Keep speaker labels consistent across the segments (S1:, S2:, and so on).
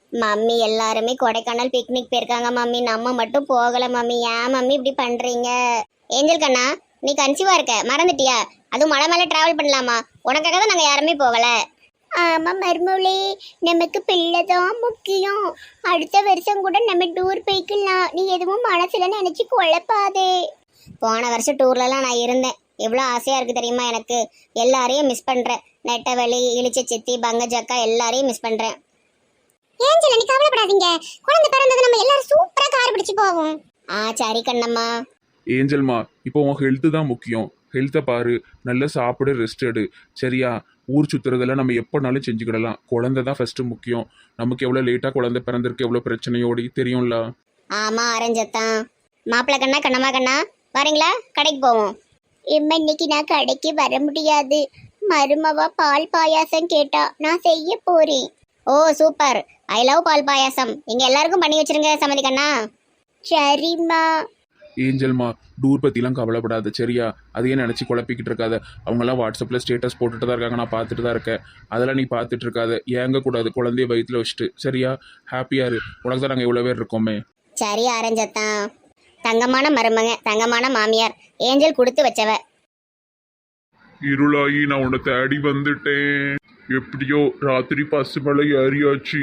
S1: Mummy எல்லாருமே Kodaikanal picnic போயிருக்காங்க mummy, நம்ம மட்டும் போகல மம்மி. ஏன் மம்மி இப்படி பண்றீங்க? ஏஞ்சல் கண்ணா, நீ கன்சீவா இருக்க மறந்துட்டியா? அதுவும் மலை மேல டிராவல் பண்ணலாமா? உனக்காக தான் நாங்க யாருமே போகல. ஆமா மருமவளே, நமக்கு பிள்ளைதான் முக்கியம். அடுத்த வருஷம் கூட நம்ம டூர் போய்க்கலாம். நீ எதுவும் மனசுல நினைச்சு குழப்பாதே. போன வருஷம் டூர்லலாம் நான் இருந்தேன். எவ்வளோ ஆசையா இருக்கு தெரியுமா எனக்கு. எல்லாரையும் மிஸ் பண்றேன். நெட்டவெளி, இளிச்ச சித்தி, பங்கஜக்கா எல்லாரையும் மிஸ் பண்றேன். ஏஞ்சல், நீ கவலைப்படாதீங்க. குழந்தை பிறந்தது நம்ம எல்லாரும் சூப்பரா கார் பிடிச்சு போவோம். சரி கண்ணம்மா.
S2: ஏஞ்சல்மா, இப்போ உன் ஹெல்த்து தான் முக்கியம். ஹெல்த்தை பாரு, நல்லா சாப்பிடு, ரெஸ்ட் எடு. சரியா? ஊர் சுற்றுறதெல்லாம் நம்ம எப்போனாலும் செஞ்சுக்கிடலாம். குழந்தை தான் ஃபர்ஸ்ட் முக்கியம். நமக்கு எவ்வளோ லேட்டாக குழந்தை பிறந்திருக்கு, எவ்வளோ பிரச்சனையோடி தெரியும்ல.
S1: ஆமா அரஞ்சத்தான். மாப்பிள்ள கண்ணா, கண்ணம்மா கண்ணா, வரீங்களா? கடைக்கு போவோம். இன்னைக்கு நான் கடைக்கு வர முடியாது. மருமவா பால் பாயாசம் கேட்டா, நான் செய்ய போறேன். Oh super, I love paal payasam. நீங்க எல்லாருக்கும் பண்ணி வச்சிருங்க சமதி கண்ணா. சரிம்மா.
S2: ஏஞ்சல்மா, டூர் பற்றிலாம் கவலைப்படாத. சரியா? அதையே நினச்சி குழப்பிக்கிட்டு இருக்காத. அவங்கெல்லாம் வாட்ஸ்அப்பில் ஸ்டேட்டஸ் போட்டுட்டு தான் இருக்காங்க, நான் பார்த்துட்டு தான் இருக்கேன். அதெல்லாம் நீ பார்த்துட்டு இருக்காத. ஏங்கக்கூடாது, குழந்தைய வயிற்றுல வச்சுட்டு. சரியா? ஹாப்பியாக இரு. உனக்கு தான் நாங்கள் இவ்வளோ பேர் இருக்கோமே.
S1: சரி அரஞ்சத்தான். தங்கமான மருமக, தங்கமான மாமியார், ஏஞ்சல் கொடுத்து வச்சவ.
S2: இருளாயி நான் உன்னை தேடி வந்துட்டேன். எப்படியோ ராத்திரி பசு மலை ஏறியாச்சு.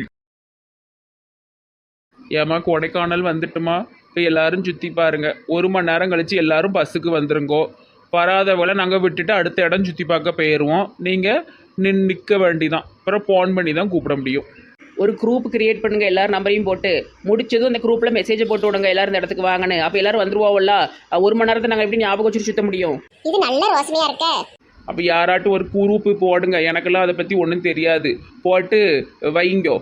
S2: ஏமா கொடைக்கானல் வந்துட்டுமா? இப்போ எல்லாரும் சுற்றி பாருங்க. 1 மணி நேரம் கழிச்சு எல்லாரும் பஸ்ஸுக்கு வந்துருங்கோ. வராதவளை நாங்கள் விட்டுட்டு அடுத்த இடம் சுற்றி பார்க்க போயிடுவோம். நீங்கள் நிற்க வேண்டிதான். அப்புறம் ஃபோன் பண்ணி தான் கூப்பிட முடியும்.
S3: ஒரு குரூப் கிரியேட் பண்ணுங்க, எல்லாரும் நம்பரையும் போட்டு முடிச்சதும் அந்த குரூப்ல மெசேஜ் போட்டு விடுங்க, எல்லாரும் இந்த இடத்துக்கு வாங்கன்னு. அப்போ எல்லாரும் வந்துருவோம்ல. 1 மணி நேரத்தை நாங்கள் எப்படி ஞாபகம் வச்சுட்டு சுத்த முடியும்?
S1: இது நல்ல ரோசனையா இருக்க.
S2: அப்போ யாராட்டும் ஒரு குரூப்பு போடுங்க. எனக்கெல்லாம் அதை பற்றி ஒன்றும் தெரியாது. போட்டு வைங்கோ.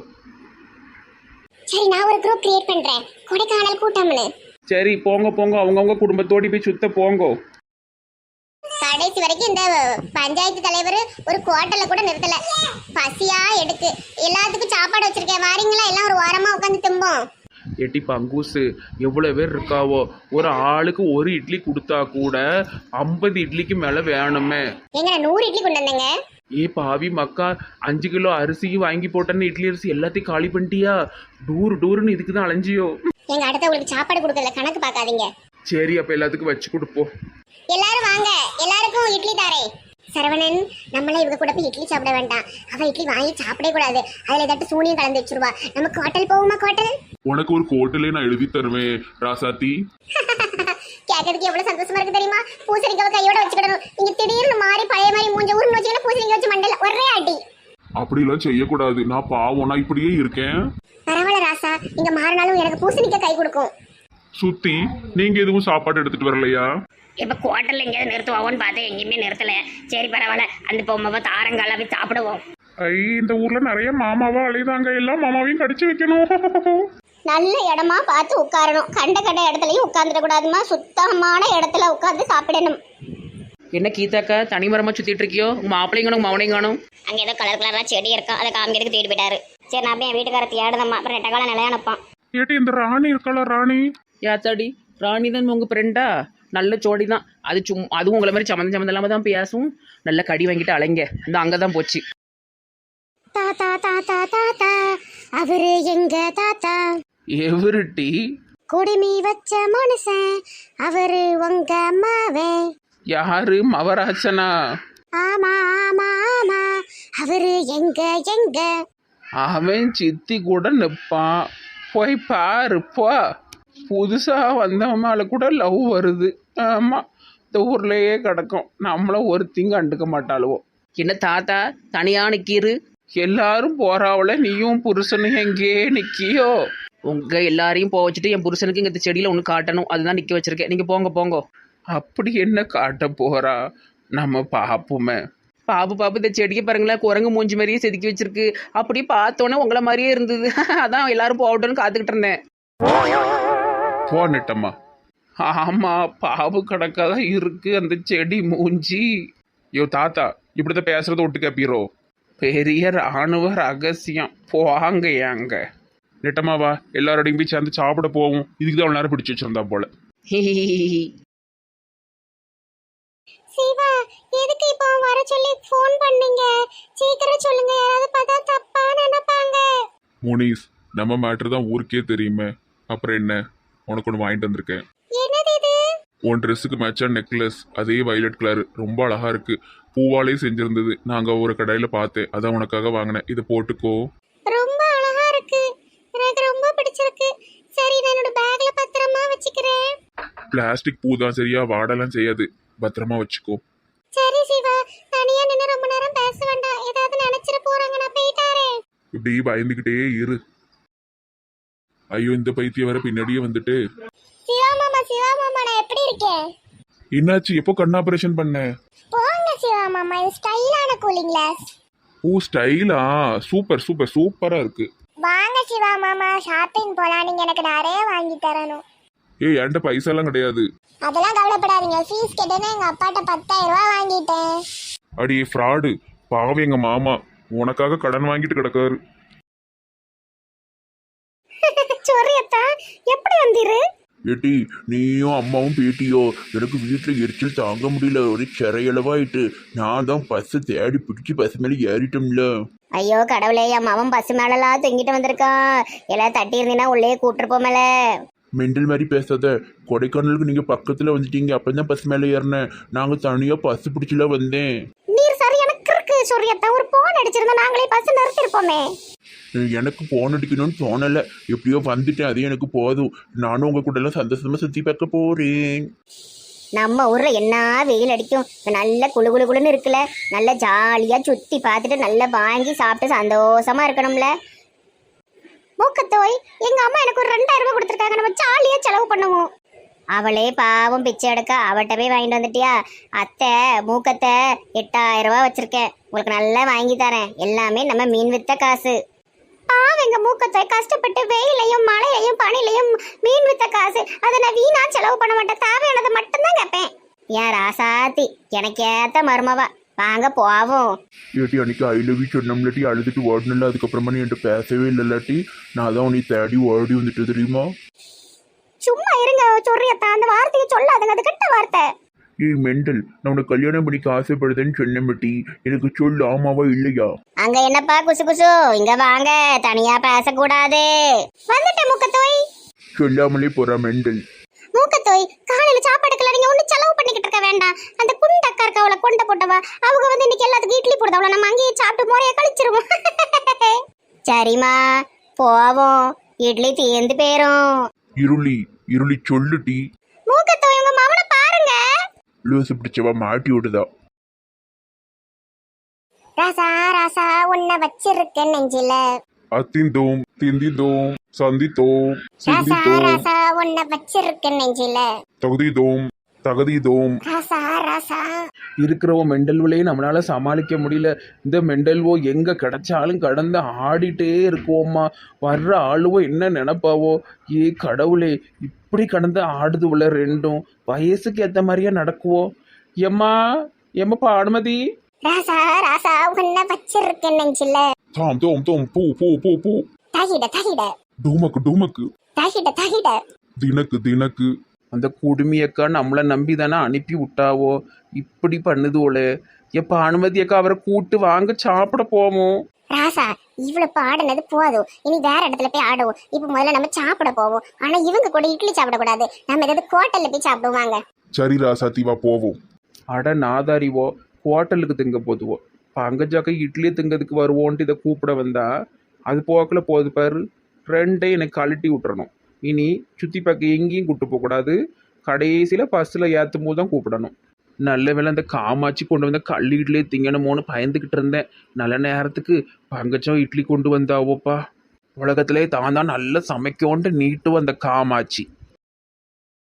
S1: சரி, நான் ஒரு குரூப் கிரியேட் பண்றேன், கொடைக்கானல் கூட்டம்னு.
S2: சரி போங்க போங்க, அவங்கவுங்க குடும்பத்தோடி போய் சுத்த போங்கோ.
S1: கடைசி வரைக்கும் இந்த பஞ்சாயத்து தலைவர் ஒரு குவார்டர்ல கூட நிறுத்தல. பசியா எடுக்கு. எல்லாத்துக்கும் சாப்பாடு வச்சிருக்கேன், வாரீங்களா? எல்லாம் ஒரு வாரமா உட்காந்து திம்போம்.
S2: எட்டி பங்கூசு, எவ்வளோ பேர் இருக்காவோ? ஒரு ஆளுக்கு 1 இட்லி கொடுத்தா கூட 50 இட்லிக்கு மேலே வேணுமே.
S1: எங்க 100 இட்லி கொண்டு வந்தேங்க.
S2: பாவி மக்கா, 5 கிலோ அரிசியும் வாங்கி போட்டேன்னு இட்லி அரிசி எல்லாத்தையும் காலி பண்ணிட்டியா? டூருன்னு இதுக்கு தான் அலைஞ்சியோ?
S1: எங்க அடுத்த உங்களுக்கு சாப்பாடு கொடுக்கல, கணக்கு பார்க்காதீங்க.
S2: சரி, அப்போ எல்லாத்துக்கும் வச்சு கொடுப்போம்.
S1: எல்லாரும் வாங்க, எல்லாருக்கும் இட்லி தாரேன். சரவணன், நம்மள இவங்க கூட போய் இட்லி சாப்பிட வேண்டாம். அவ இட்லி வாங்கி சாப்பிடவே கூடாது. அதுல ஏதாட்டு சூனியம் கலந்து வச்சிருவா. நமக்கு ஹோட்டல் போவோமா? ஹோட்டல்
S2: உனக்கு ஒரு ஹோட்டலே நான் எழுதி தருவேன் ராசாத்தி.
S1: கேட்கறதுக்கு எவ்வளவு சந்தோஷமா இருக்கு தெரியுமா? பூசணிக்காவை கையோட வச்சுக்கிடணும். நீங்க திடீர்னு மாறி பழைய மாதிரி மூஞ்ச ஊர்னு வச்சுக்கிட்டு பூசணிக்காய் வச்சு மண்டல ஒரே அடி.
S2: அப்படிலாம் செய்யக்கூடாது. நான் பாவம், நான் இப்படியே இருக்கேன்.
S1: பரவாயில்ல ராசா, நீங்க மாறினாலும் எனக்கு பூசணிக்காய் கை கொடுக்கும்.
S2: சுத்தி, நீங்க எதுவும் சாப்பாடு எடுத்துட்டு வரலையா?
S4: இப்போ குவார்ட்டரில் எங்கேயாவது நிறுத்துவோன்னு பார்த்தேன், எங்கேயுமே நிறுத்தலை. சரி பரவாயில்ல, அந்த பொம்மை தாரங்கால போய் சாப்பிடுவோம்.
S2: இந்த ஊர்ல நிறைய மாமாவா அழைதாங்க. எல்லாம் மாமாவையும் கடிச்சு வைக்கணும்.
S1: நல்ல இடமா பார்த்து உட்காரணும். கண்ட இடத்துலயும் உட்கார்ந்துட கூடாதுமா. சுத்தமான இடத்துல உட்கார்ந்து சாப்பிடணும்.
S3: என்ன கீதாக்கா தனிமரமாக சுற்றிட்டு இருக்கியோ? உங்கள் மாப்பிள்ளையும் காணும் மவனையும் காணும்.
S1: அங்கே ஏதோ கலர் கலராக செடி இருக்கா, அதை காமிக்கிறதுக்கு தேடி போயிட்டாரு. சரி, நான் அப்படியே என் வீட்டுக்கார தேடுதம்மா. அப்புறம் நெட்டக்கால நிலையானப்பான்.
S2: ஏட்டி, இந்த ராணி இருக்காளா? ராணி
S3: யாத்தாடி, ராணி தான் உங்கள் ஃப்ரெண்டா? நல்ல ஜோடி தான் அது. அதுவும் உங்களை மாதிரி சம்மந்தம் இல்லாமல் தான் பேசும். நல்ல கடி வாங்கிட்டு அலைங்க. இந்த அங்கே தான் போச்சு.
S1: தாத்தா தாத்தா தாத்தா, அவரு எங்க தாத்தா?
S2: எவருட்டி?
S1: குடுமி வச்ச மனுஷன், அவரு உங்க அம்மாவே.
S2: யாரு? மவராசனா?
S1: ஆமா ஆமா ஆமா, அவரு எங்க எங்க?
S2: அவன் சித்தி கூட நிற்பான். போய் பாரு போ. புதுசா வந்தவன் மேல கூட லவ் வருது. ஆமா, இந்த ஊர்லயே கிடக்கும். நம்மளும் ஒருத்தையும் கண்டுக்க மாட்டாளுவோம்.
S3: என்ன தாத்தா தனியாக நிற்கிறு?
S2: எல்லாரும் போறாவள, நீயும் புருஷனும் எங்கே நிக்கியோ?
S3: உங்கள் எல்லாரையும் போக வச்சுட்டு என் புருஷனுக்கு இங்கே செடியில் ஒன்று காட்டணும், அதுதான் நிற்க வச்சிருக்கேன். நீங்கள் போங்க போங்க.
S2: அப்படி என்ன காட்ட போறா? நம்ம பாப்புமே.
S3: பாப்பு இந்த செடியை பாருங்களேன், குரங்கு மூஞ்சி மாதிரியே செதுக்கி வச்சிருக்கு. அப்படியே பார்த்தோன்னே உங்களை மாதிரியே இருந்தது. அதான் எல்லாரும் போகட்டும்னு காத்துக்கிட்டு இருந்தேன்.
S2: போனட்டம்மா. ஆமா, பாவு கணக்காதான் இருக்கு அந்த செடி மூஞ்சி. யோ தாத்தா, இப்படிதான் பேசுறத ஒட்டு கேப்பீரோ? பெரிய ராணுவ ரகசியம். போவாங்க ஏங்க நெட்டமாவா, எல்லாரோடையும் போய் சேர்ந்து சாப்பிட போவோம். இதுக்கு தான் நேரம் பிடிச்சி வச்சிருந்தா போல.
S1: சிவா, எதுக்கு இப்போ வர சொல்லி ஃபோன் பண்ணீங்க? சீக்கிரம் சொல்லுங்க, யாராவது பார்த்தா தப்பா நினைப்பாங்க.
S2: முனிஸ்,
S5: நம்ம மேட்ரு தான் ஊருக்கே தெரியுமே. அப்புறம் என்ன, உனக்கு ஒன்று வாங்கிட்டு வந்திருக்கேன்.
S1: என்னது இது?
S5: உன் ட்ரெஸ்ஸுக்கு மேட்சான நெக்லஸ், அதே வயலட் கலர், ரொம்ப அழகா இருக்கு. பூவாலே செஞ்சிருந்தது. நாங்க ஒரு கடையில பார்த்தேன், அதான் உனக்காக வாங்கினேன். இதை போட்டுக்கோ.
S1: ரொம்ப அழகா இருக்கு, எனக்கு ரொம்ப பிடிச்சிருக்கு. சரி, நான் என்னோட பேக்ல பத்திரமா வச்சுக்கிறேன்.
S5: பிளாஸ்டிக் பூ தான், சரியா? வாடெல்லாம் செய்யாது. பத்திரமா வச்சுக்கோ.
S1: சரி சிவா, தனியா நின்று ரொம்ப நேரம் பேச வேண்டாம், ஏதாவது நினைச்சிட போறாங்க, நான் போயிட்டாரே.
S5: இப்படி பயந்துகிட்டே இரு. ஐயோ, இந்த பைத்தியம் வர பின்னாடியே வந்துட்டு.
S1: சிவா மாமா நான் எப்படி இருக்கேன்?
S5: என்னாச்சு? எப்போ கண் ஆபரேஷன் பண்ண?
S1: போங்க சிவா மாமா, இது ஸ்டைலான கூலிங் கிளாஸ்.
S5: ஓ, ஸ்டைலா? சூப்பர் சூப்பர் சூப்பரா இருக்கு.
S1: வாங்க சிவா மாமா, ஷாப்பிங் போலாம், நீங்க எனக்கு நிறைய வாங்கி தரணும்.
S5: ஏய், என்கிட்ட பைசாலாம் கிடையாது.
S1: அதெல்லாம் கவலைப்படாதீங்க, ஃபீஸ் கேட்டேன்னா எங்க அப்பாட்ட 10,000 ரூபாய் வாங்கிட்டேன்.
S5: அடி ஃப்ராடு, பாவம் எங்க மாமா உனக்காக கடன் வாங்கிட்டு கிடக்காரு.
S1: சொரியத்தா, எப்படி வந்தீரு?
S5: ஏட்டி, நீயும் அம்மாவும் பேட்டியோ? எனக்கு வீட்டில் எரிச்சல் தாங்க முடியல, ஒரு சிறையளவாயிட்டு. நான் தான் பஸ்ஸை தேடி பிடிச்சி பஸ் மேலே ஏறிட்டோம்ல.
S1: ஐயோ கடவுளே, என் மாமன் பஸ் மேலலாம் தொங்கிட்டு வந்திருக்கான். எல்லாம் தட்டி இருந்தீங்கன்னா உள்ளே கூட்டிருப்போமல.
S5: மெண்டல் மாதிரி பேசாத. கொடைக்கானலுக்கு நீங்கள் பக்கத்தில் வந்துட்டீங்க, அப்போ தான் பஸ் மேலே ஏறினேன். நாங்கள் தனியாக பஸ் பிடிச்சில வந்தேன்.
S1: நீர் சரி, எனக்கு இருக்கு சொரியத்தா, ஒரு போன் அடிச்சிருந்தா நாங்களே பஸ் நிறுத்திருப்போமே.
S5: எனக்கு போன் அடிக்கணும்னு தோணலை, எப்படியோ வந்துட்டேன், அது எனக்கு போதும். நானும் உங்கள் கூட எல்லாம் சந்தோஷமா சுற்றி பார்க்க போகிறேன்.
S1: நம்ம ஊர்ல என்ன வெயில் அடிக்கும், நல்ல குளு குளு குளுன்னு இருக்குல்ல, நல்ல ஜாலியா சுத்தி பார்த்துட்டு நல்லா வாங்கி சாப்பிட்டு சந்தோஷமா இருக்கணும்ல. மூக்கத்தோய், எங்க அம்மா எனக்கு ஒரு 2,000 ரூபாய் கொடுத்துருக்காங்க, நம்ம ஜாலியா செலவு பண்ணுவோம். அவளே பாவம் பிச்சை எடுக்க, அவட்ட போய் வாங்கிட்டு வந்துட்டியா? அத்தை மூக்கத்தை 8,000 ரூபாய் வச்சிருக்கேன், உங்களுக்கு நல்லா வாங்கி தரேன், எல்லாமே நம்ம மீன் வித்த காசு. பாவங்க மூக்கத்தோய் கஷ்டப்பட்டு வெயிலையும் மழையையும் பனிலையும் மீன் வித்த காசு, அதை நான் வீணா செலவு பண்ண மாட்டேன், தேவையானதை மட்டும்தான் கேட்பேன். ஏன் ராசாத்தி, எனக்கு ஏத்த மருமவா, வாங்க போவோம்.
S5: ஏட்டி, அன்னைக்கு ஐ லவ் யூ சொன்னோம்லாட்டி அழுதுட்டு ஓடணும்ல, அதுக்கப்புறமா நீ என்கிட்ட பேசவே இல்லைல்லாட்டி நான் தான் உன்னை தேடி ஓடி வந்துட்டு தெரியுமா?
S1: சும்மா இருங்க சொரியத்தா, அந்த வார்த்தையை சொல்லாதுங்க, அது கெட்ட வார்த்தை.
S5: ஏய் மெண்டல், நான் உனக்கு கல்யாணம் பண்ணிக்க ஆசைப்படுதேன்னு சொன்னேன். எனக்கு சொல்லு, ஆமாவா இல்லையா?
S1: அங்க என்னப்பா குசு குசு, இங்க வாங்க, தனியா பேசக்கூடாது. வந்துட்டேன் மூக்கத்தோய்.
S5: சொல்லாமலே போறா மெண்டல்.
S1: மூக்கத்தோய், காலையில சாப்பாடுக்கெல்லாம் நீங்க ஒண்ணு செலவு பண்ணிக்கிட்டு இருக்க வேண்டாம். அந்த குண்ட அக்கா இருக்கா, அவளை கொண்ட போட்டவா, அவங்க வந்து இன்னைக்கு எல்லாத்துக்கும் இட்லி போடுதா, அவளை நம்ம அங்கேயே சாப்பிட்டு முறைய கழிச்சிருவோம். சரிம்மா போவோம், இட்லி தீர்ந்து போயிரும்.
S5: இருளி இருளி சொல்லுட்டி.
S1: மூக்கத்தோய், உங்க மாமனை பாருங்க.
S5: லூசு பிடிச்சவா மாட்டி விடுதா.
S1: ராசா ராசா, உன்னை வச்சிருக்கேன் நெஞ்சில.
S5: அத்திந்தோம் திந்திந்தோம் சந்தித்தோம்
S1: ராசா
S5: சிந்தித்தோம்
S1: ராசா, உன்னை வச்சிருக்கேன் நெஞ்சில.
S5: தகுதிதோம் தகுதிதோம்.
S1: ராசா ராசா,
S2: இருக்கிறவோ மெண்டல்வளையும் நம்மளால சமாளிக்க முடியல. இந்த மெண்டல்வோ எங்கே கிடைச்சாலும் கடந்து ஆடிட்டே இருக்குவோம்மா. வர்ற ஆளுவோ என்ன நினைப்பாவோ, ஏ கடவுளே, இப்படி கடந்து ஆடுதுவுல ரெண்டும். வயசுக்கு ஏற்ற மாதிரியே நடக்குவோ. எம்மா எம்மப்பா அனுமதி.
S1: ராசா ராசா, உன்னை வச்சிருக்கேன் நெஞ்சில.
S5: தாம் தோம் தோம் பூ பூ பூ பூ.
S1: தகிட தகிட
S5: டூமக்கு டூமக்கு.
S1: தகிட தகிட.
S5: தினக்கு தினக்கு.
S2: அந்த குடுமியக்கா நம்மளை நம்பி தானே அனுப்பி விட்டாவோ, இப்படி பண்ணுதுவோலே. எப்போ அனுமதி அக்கா அவரை கூட்டு வாங்க சாப்பிட போவோம்.
S1: ராசா, இவ்வளவு பாடுனது போதும், இனி வேற இடத்துல போய் ஆடுவோம். இப்ப முதல்ல நம்ம சாப்பிட போவோம். ஆனா இவங்க கூட இட்லி சாப்பிடக்கூடாது, நம்ம ஏதாவது ஹோட்டல்ல போய் சாப்பிடுவாங்க.
S5: சரி ராசாத்திவா போவோம்.
S2: அட நாதாரிவோ, ஹோட்டலுக்கு திங்க போதுவோ. பங்கஜாக்கா இட்லி திங்கிறதுக்கு வருவோன்ட்டு இதை கூப்பிட வந்தா, அது போக்கில் போகுது பாரு. ரெண்டையும் எனக்கு கழட்டி விட்டுறணும். இனி சுற்றி பார்க்க எங்கேயும் கூப்பிட்டு போகக்கூடாது, கடைசியில் பஸ்ஸில் ஏற்றும் போது தான் கூப்பிடணும். நல்ல வேலை அந்த காமாட்சி கொண்டு வந்த கல் இட்லி திங்கணுமோன்னு பயந்துக்கிட்டு இருந்தேன். நல்ல நேரத்துக்கு பங்கஜம் இட்லி கொண்டு வந்தாவோப்பா. உலகத்திலே தான் நல்லா சமைக்கோன்ட்டு நீட்டு வந்த காமாட்சி.